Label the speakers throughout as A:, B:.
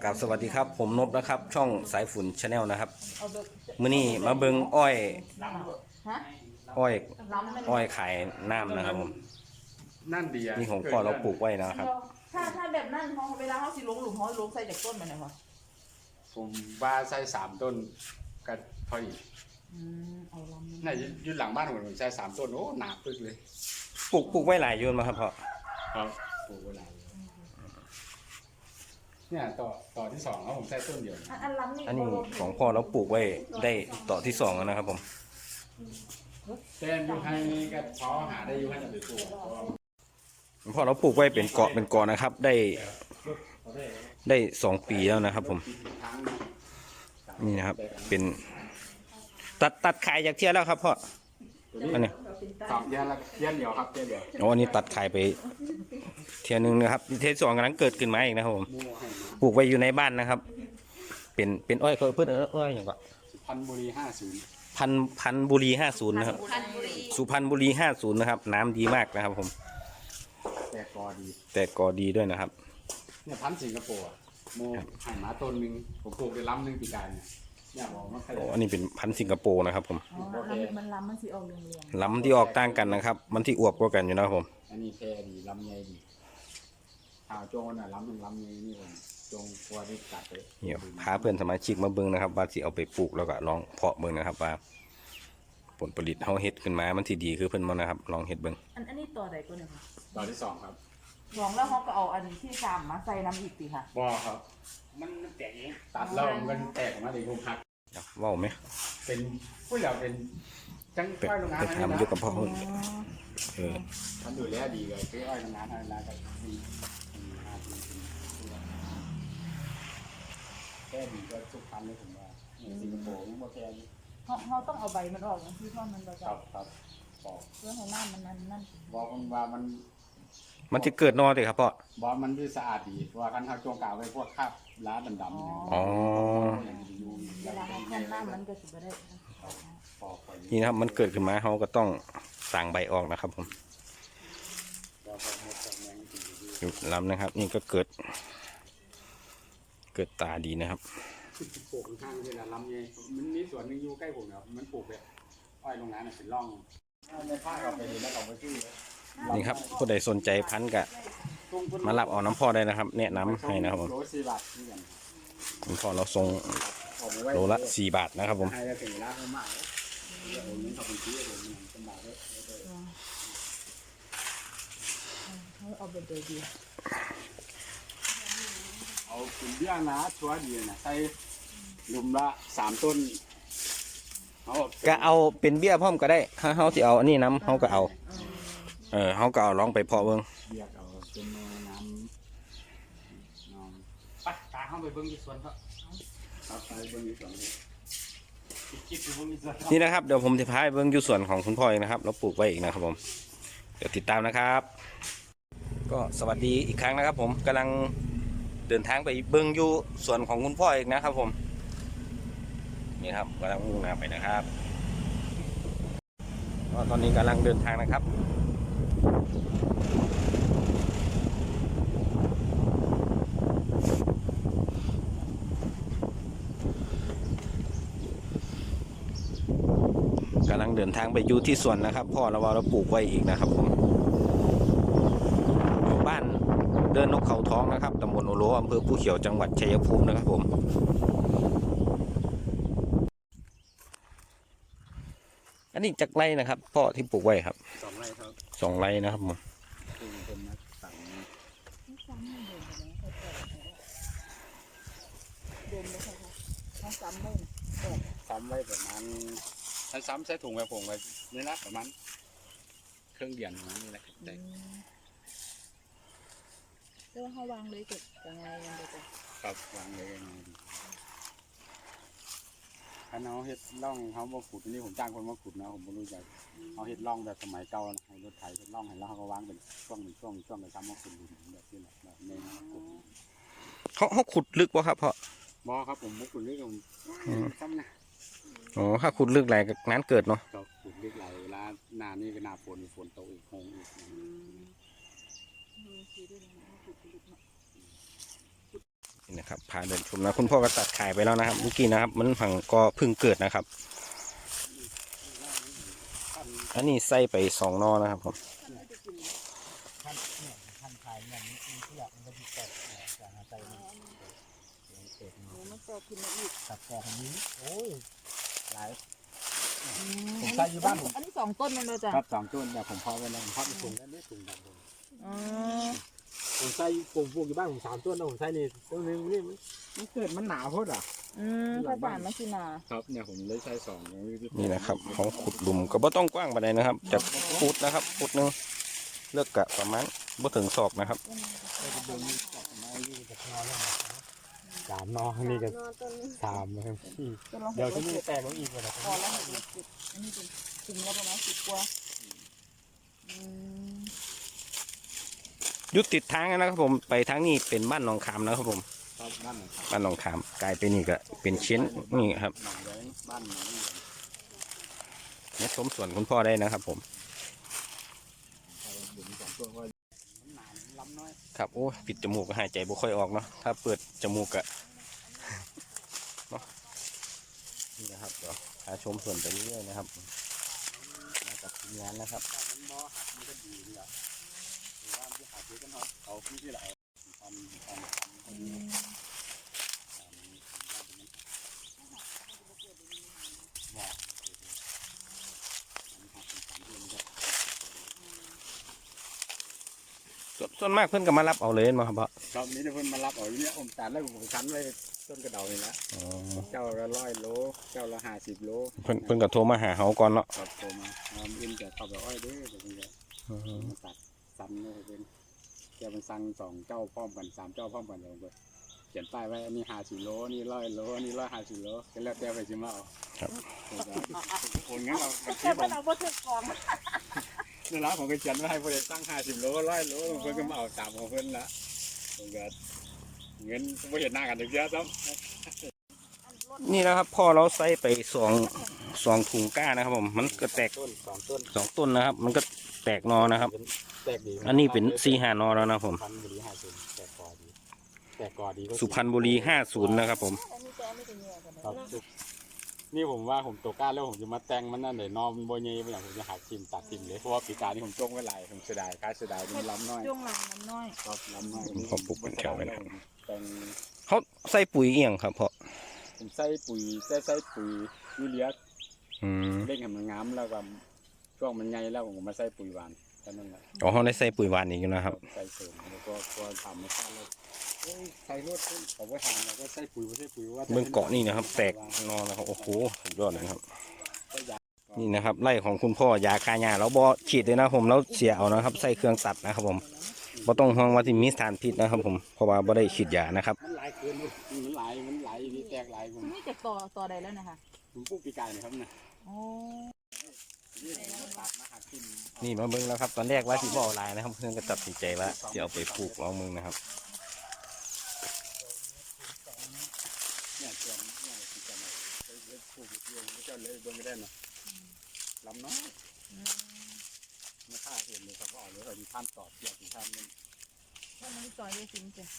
A: กับสวัสดีครับผมนบนะครับช่องสายฝุ่นชาแนลนะครับมื้อนี้มาเบิงอ้อย
B: ฮะ
A: อ้อย
B: ล้ำมัน
A: อ้อยขายน้ำนะครับผม
C: นั่นดีอ่ะ
A: นี่ของพ่อเราปลูกไว้นะครับ
B: ถ้าแบบนั้นเขาเวลาเขาสิลงหลุมเขาลงใส่จากต้นมันนะคะ
C: ผมว่าใส่3 ต้นก็พอดี
B: เอาล้ำมัน
C: น่าจะยืนหลังบ้านผมใส่3 ต้นโอ้หนาปึกเลย
A: ปลูกไว้หลายอยืนมาครับพ่อ
C: ครับปลูกเวลาเนี่ยต่อที่2แล้วผมใส่ต้นเดียว
B: อันล้ำนี่
A: อันนี้ของพ่อเราปลูกไว้ได้ต่อที่สองแล้วนะครับผม
C: แต่อยู่ให้ก็พอหาได้อยู่ให้จะไปปลูก
A: พ่อเราปลูกไว้เป็นเกาะเป็นกอนะครับได้2 ปีแล้วนะครับผมนี่นะครับเป็นตัดขายจากเที่ยแล้วครับพ่ออันนี้
C: ครับเดือนเดียวครับเดือนเดียว
A: อ๋ออันนี้ตัดขายไปเที่ยนึงนะครับเที่ยสองกำลังเกิดขึ้นมาอีกนะครับผม
C: มู่ให้มา
A: ปลูกไว้อยู่ในบ้านนะครับ เป็นอ้อยเขาเพื่อนอ้อยอย่างก็
C: สุพรรณบุรี50
A: พันบุรี50นะครับ สุพรรณบุรี50นะครับน้ำดีมากนะครับผม
C: แต่กอดี
A: แต่กอดีด้วยนะครับ
C: เนี่ยพันธุ์สิงคโปร์อะโมให้มาต้นหนึงผมปลูกได้ล้ำหนึงปีกายเนี่ยบอกว่าใคร
A: โอ้อันนี้เป็นพันธุ์สิงคโปร์นะครับผม
B: มันล้ำมันสิออกเรียง
A: ลำที่ออกต่างกันนะครับ มันที่อวบกว่ากันอยู่นะครับผม
C: อันนี้แพรดีลำใหญ่ดีข่าวโจงน่ะลำใหญ่นี่ผมโจงกลัวได้กัดเลย
A: เดี๋ยวพาเพื่อนสมาชิกมาเบิ่งนะครับ ว่าสิเอาไปปลูกแล้วก็ลองเพาะเบิ่งนะครับ ว่าผลผลิตเฮาเฮ็ดขึ้นมามันที่ดีคือเพิ่นบ่นะครับ ลองเฮ็ดเบิ่ง
B: อันนี้ต่อใดก็เนี่ยค่ะ
C: ตอนที่2ครับ
B: ลองแล้วเขาก็เอาอันที่3มาใส่น้ำอีกสิค่ะ
C: บ่ครับ มันแตกเองตัดแล้วมันแตกออกมาเลยผมหัก
A: เว้าไหม
C: เป็นผู้เหล่าเป็นจัง
A: ไป
C: อ้อยโรงงาน
A: ไปทำอยู่กับพ่อเพิ่นเออ
C: ทำดูแลดีเลยคืออ้อยโรงงานอะไรกันดีแค่ดีก็ทุกพันเลยผมว่าสิงคโปร์ยังบ่แค่นี้
B: เขาต้องเอาใบมันออกนะที่ท่อนมันเรา
C: ค
B: จะ
C: รับครับบอก
B: เพื่อให้น้ำมันนั่น
C: บอกมันว่ามัน
A: มันจะเกิดนอเด้ครับพ่อ
C: บอกมันคือสะอาดดีเพราะว่าคันเขาโจงกล่าวไว้พวกคราบล้าดำๆเนี่ย
A: อ๋อ
B: เวลาเขาคั่นน้ำมันก็สิบ่ได้
C: ปอกไป
A: นี่นะครับมันเกิดขึ้นมาเขาก็ต้องสั่งใบออกนะครับผม
C: แล้วก็หมดจากแมงกินดี
A: อยู่ลำนะครับ นี่ก็เกิดตาดีนะครับ
C: ปลูกข้างๆเวลาลำไงมันมีสวนหนึงอยู่ใกล้ผมเนี่ยมันปลูกแบบอ้อยโรงงานเป็นร่องในภาคเราไปเห็นแล้วเราไปซื้อ
A: นี่ครับผู้ใดสนใจพันธุ์ก็มารับเอาน้ำพ่อได้นะครับ แนะนำให้นะครับผม
C: โล4 บาทนี่กัน
A: น้ำพ่อเราส่ง
C: เอาไปไว้
A: โลละ4 บาทนะครับผม
C: ให้ได้ถึงร้านเขามากผมนี่เขาเป็นซื้อผมนี่สบายเลย
B: เขาเอาไปเดียว
C: เอาคุณเบี้ยนะชัวร์ดีนะใส่หลุมละ3 ต้นเอา
A: ก็เอาเป็นเบี้ยพร้อมก็ได้ถ้าเขาที่เอาอันนี้น้ำเขาก็เอาเขาก็เอาลองไปเพาะเบิ่ง
C: เบียกเอาเป็นน้ำน้องไปตาเข้าไปเบิ้งที่สวนครับครับไปเบิ้งที่สวนเลยคิดไปเบิ้งที่สวน
A: นี่นะครับเดี๋ยวผมจะพาไปเบิ่งอยู่ส่วนของคุณพ่อเองนะครับเราปลูกไว้อีกนะครับผมเดี๋ยวติดตามนะครับ ก็สวัสดีอีกครั้งนะครับ ผมกำลังเดินทางไปเบิ่งอยู่ส่วนของคุณพ่อเองนะครับ ผมนี่ครับกำลังมุ่งหน้าไปนะครับก็ตอนนี้กำลังเดินทางนะครับกำลังเดินทางไปอยู่ที่สวนนะครับพ่อเราปลูกไว้อีกนะครับผมอยู่บ้านเดินนกเขาท้องนะครับตำบลโอโลอำเภอผู้เขียวจังหวัดชัยภูมินะครับผมอันนี้จากไร่นะครับพ่อที่ปลูกไว้ครับ
C: 2 ไร่ครับ
A: 2 ไร่นะครับผม
C: เป็นนักสั่ง
B: เดินเลยค่ะเขาซ้ำไม่
C: ซ้ำไว้ประมาณถ้าซ้ำใส่ถุงไว้ผมไว้นี่นะประมาณเครื่องเดียนประมาณนี้แหละแต่
B: แล้วเขาวางเลยเก็บยังไงกันเด็ก
C: ครับวางเลยยังไงดีถ้าเอาเห็ดล่องเขามาขุดอันนี้ผมจ้างคนมาขุดนะผมไม่รู้จักเอาเห็ดล่องแบบสมัยเก่านะให้รถไถเห็ดล่องให้แล้วเขาก็วางเป็นช่วงไปซ้ำมาขุดหลุมแบบนี้แหละแบบในขุด
A: เขาขุดลึกวะครับพ่อบ
C: อครับผมมุกขุดเรื่องซ้ำนะ
A: อ๋อถ้าขุดลึกไหลก็นั้นเกิดเนาะ
C: ก็ขุดเล็กไหลเวลาหน้านี่ก็หน้าฝนตกอีกคงอีก
A: นี่นะครับพาเดินชมนะคุณพ่อก็ตัดขายไปแล้วนะครับเมื่อกี้นะครับมันผังก็เพิ่งเกิดนะครับอันนี้ใส่ไป2 นอนะครับผม
C: ท่านขายอย่างนี้ที่อยากมันก็มีแตกจากใจมันเกิด
B: หนูมันแตกขึ้นมาอีก
C: ตัดแตกอันนี้โอ้ยหลายผมใส่อยู่บ้านผม
B: อันนี้2 ต้นมันเลยจ้ะ
C: ครับ2 ต้นเนี่ยผมพอไว้แล้วผมพอไปถุงแล้วนี่ถุงดำผม
B: อ๋อ
C: ผมใส่ปลูกอยู่บ้านผม3 ต้นนะผมใส่นี่ต้นนึงนี่มันเกิดมันหนาโพดอ่ะ
B: ถ้าบ้านมันสินา
C: ครับเนี่ยผมเลยใช้2
A: นี่นะครับเขาขุดหลุมก็บ่ต้องกว้างปานใดนะครับจะขุดนะครับขุดหนึงเลือกกะประมาณบ่ถึงศอกนะครับ
C: 3 นอนี่ก็3นะครับเดี๋ยวที่นี่แตกลงอีกเลยนะ
B: พอแล้วเห็ดเล็กๆอันนี้เป็นถึงแล้วประมาณ10 กว่า
A: ยุดติดทางนะครับผมไปทางนี้เป็นบ้านหนองขามนะครับผม
C: ครับบ้านหนอง
A: บ้านหนองขามกลายเป็นนี่ก็เป็นชิ้นนี่ครับ
C: หนองแดงบ้านหนอง
A: มาชมสวนคุณพ่อได้นะครับผม
C: ล้ำน้อย
A: ครับโอ้ปิดจมูกก็หายใจบ่ค่อยออกเนาะถ้าเปิดจมูกก็ เนาะนี่นะครับเดี๋ยวพาชมสวนไปเรื่อยๆนะครับมากับทีมงานนะครับ
C: มันบ่หักมันก็ดีนี่แหละหรือว่าที่หักที่กันเอาที่ไหน
A: ส่วนมากเพื่อนก็มารับเอาเลยมาครับพ่อ
C: ครับนี้เพิ่นมารับเอาอยู่เนี่ยผมตัดแล้วผมคั้นไว้ต้นกระเดานี่ละ
A: อ๋อ
C: เจ้าละ100 โลเจ้าละ50 โล
A: เพื่อนก็โทรมาหาเขาก่อนเนาะ
C: ครับโทรมาอินจะเข้าไปอ้อยเด้อเดี๋ยวเพิ่นจะมาตัดซ้ำเลยเป็นเจ้าเป็นสั่ง2 เจ้าพร้อมกัน3 เจ้าพร้อมกันเลยเพิ่นเขียนป้ายไว้อันนี้50 โลนี่100 โลนี่150 โลก็แล้วแต่ไปสิมาเอา
A: ครับ
C: คนงั้นเรา
B: แต่มันเอาบ่ถึงกอง
C: ในร้านผมก็เขียนไว้ให้เพิ่นสั่ง50 โล100 โลเพิ่นก็มาเอาตามของเพิ่นละผมก็เงินบ่เห็นหน้ากันจักเทื่อซ้ำ
A: นี่นะครับพ่อเราใส่ไปสองถุงก้านะครับผมมันก็แตก
C: ต้น2 ต้น
A: 2 ต้นนะครับ มันก็แตกนอนะครับ
C: แตกดี
A: อันนี้เป็น4-5 นอแล้วนะผม
C: สุพรรณบุรี50แตกกอดีแตกกอดีก็
A: สุพรรณบุรี50นะครับผม
B: อันนี้จะไม่เป็นเนื้อกัน
C: ครับนี่ผมว่าผมตกกล้าแล้วผมจะมาแต่งมันนั่นเลยนอมโบเย่ไปอย่างผมจะหักทิมตัดทิมเลยเพราะว่าปีกานี่ผมจ้งไว้หลายผมเสียดายค่าเสียดายมันล้ำน้อย
B: ช่วงหลังมันน้อย
C: ครับล้ำน้อย
A: ผมปลูกเป็นแถวไว้นะ
C: แต่ง
A: เขาใส่ปุ๋ยเอียงครับพ่อ
C: ผมใส่ปุ๋ยใส่ปุ๋ยยูเรีย
A: อืม
C: เร่งให้มันงามแล้วก็ช่วงมันใหญ่แล้วผมก็มาใส่ปุ๋ยหวานแค่นั้นแหละ
A: อ๋อเขาได้ใส่ปุ๋ยหวานอีกอยู่นะครับ
C: ใส่เสริมแล้วก็ทำไม่พลาดเลยใส่รถผมก็ทำแล้วก็ใส่ปุ๋ยไม่ใส่ปุ๋ยว่า
A: เบื้องเกาะนี่นะครับ แตกนอนนะครับโอ้โหสุดยอดเลยครับ นี่นะครับไร่ของคุณพ่อยาคาหญ้าเราบ่ฉีดเลยนะผมเราเสียเอานะครับ ใส่เครื่องตัดนะครับผมบ่ต้องห่วงว่าที่มีสารพิษนะครับผมเพราะว่าบ่ได้ฉีดยานะครับ
C: มันหลายเกินมันหลายนี่แตกหลายผม
B: นี่จะต่อใดแล้วนะคะ
C: ผมปลูกปีกายนะครับเนี่ย
B: โอ้
C: นี่ผมตัดมาหักทิ่ม
A: นี่มาเบิ่งแล้วครับ ตอนแรกว่าสิบ่เอาลายนะครับ เพื่อนก็ตัดสินใจว่าจะเอาไปปลูกลองมึงนะครับ
C: เนี่ยเตรียมเนี่ยปีกายมาไปปลูกเรื่องไม่เจ้าเลยเบิ่งไม่ได้เนาะลำน้อยไม่ค่าเห็นเลยครับว่าเอาเลยเรามีท่านตอบเกี่ยวกับท่านนึง
B: ถ้ามันต่อยได้จริงจ้ะ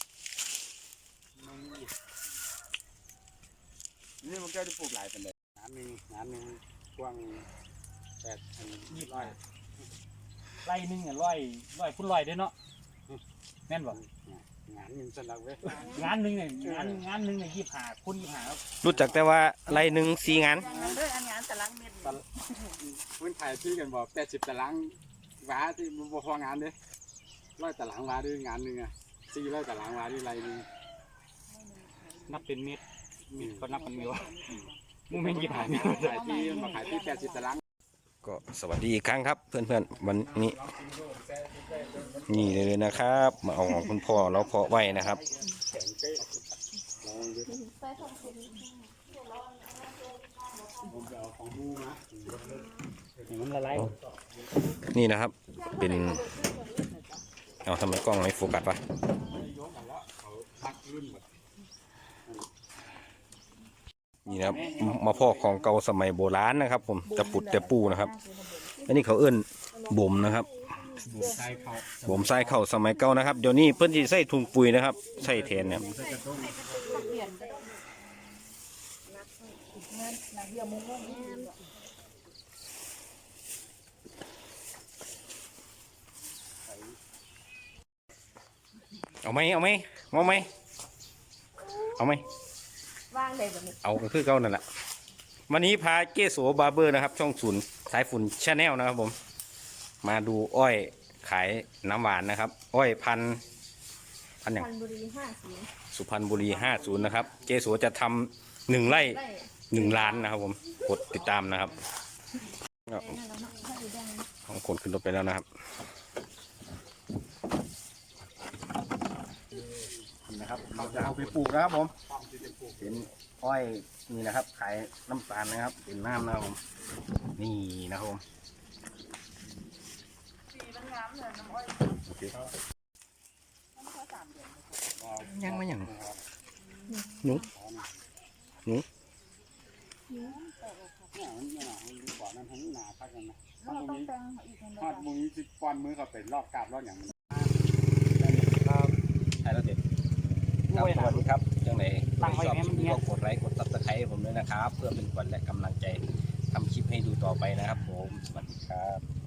C: นี่มันก็ได้ปลูกหลายเป็นเลยงานหนึ่งกว้าง8,200
D: ไร่หนึงอ่ะร้อยพุ่นร้อยเด้อเนาะแม่นบ่
C: งานหนึ่งสลักเว้ย
D: งานหนึงเนี่ยงานหนึงเนี่ย25พุ่น25ครับ
A: รู้จักแต่ว่าไร่หนึ่ง4 งาน
B: งานด้วยอันงานตารางเม็ด
C: พื้นไทยที่กันบอก80 ตารางวาที่มันพองานเด้100 ตารางวาด้วยงานหนึ่งอ่ะ400 ตารางวาด้วยไรนึง
D: นับเป็นเม็ดก็นับเป็นเม็ดวะมึงไม่กี่ผ่าน
C: ขายที่มาขายที่80 ตาราง
A: ก็สวัสดีอีกครั้งครับ เพื่อนๆวันนี้นี่เลยนะครับ มาเอาของคุณพ่อแล้วเพาะไว้นะครับ
C: แข็งเป๊ะลองดูผมจะเอาของมูนะ
D: มันละลาย
A: นี่นะครับ เป็นเอาทำไมกล้องไม่โฟกัสวะ
C: ยกมาแล้วเขาพักรุ่นหมด
A: นี่นะครับมาพ่อของเก่าสมัยโบราณนะครับ ผมตะปุดตะปูนะครับอันนี้เขาเอื้นบ่มนะครับ
C: บุกใส่เขา
A: ผมใส่เข่าสมัยเก่านะครับเดี๋ยวนี้เพิ่นสิใส่ถุงปุ๋ยนะครับใส่แทนเนี่ย
C: ใส่กระต้ม
B: เปลี่ยนก็ต้องเงินหนักเดียวมุ้งมุ้ง
A: เอาไหมเอาไหมเอาไหมเอาไหม
B: ว่างเลยแบบนี้
A: เอาก็คือเก่านั่นแหละวันนี้พาเกโสบาร์เบอร์นะครับช่องศูนย์สายฝุ่นชาแนลนะครับผมมาดูอ้อยขายน้ำหวานนะครับ อ้อยพันอย่าง
B: พันบุรี50
A: สุพรรณบุรี50นะครับเกโสจะทำ1 ไร่
B: ได้
A: 1 ล้านนะครับผมกดติดตามนะครับของคนขึ้นรถไปแล้วนะครับนี่นะครับเราจะเอาไปปลูกนะครับผมเป็นอ้อยนี่นะครับขายน้ำตาลนะครับเป็นน้ำนะครับผมนี่นะครับผม
B: สีมันงามเลยน้ำอ้อย
A: โอเคยังไม่ยังหนู
C: เนี่ยมันไม่หนามันก่อนนั้นทั้งหนาพักกันนะถ้าตรงนี้ถ้าตรงนี้สิป้อนมือเขาเป็นรอบกาบรอบอย่าง
A: ครับใช่แล้วเด็ดครับสวัสดีครับจังไหนชอบก็กดไลค์กดซับสไครต์ให้ผมด้วยนะครับ เพื่อเป็นขวัญและกำลังใจทำคลิปให้ดูต่อไปนะครับผมสวัสดีครับ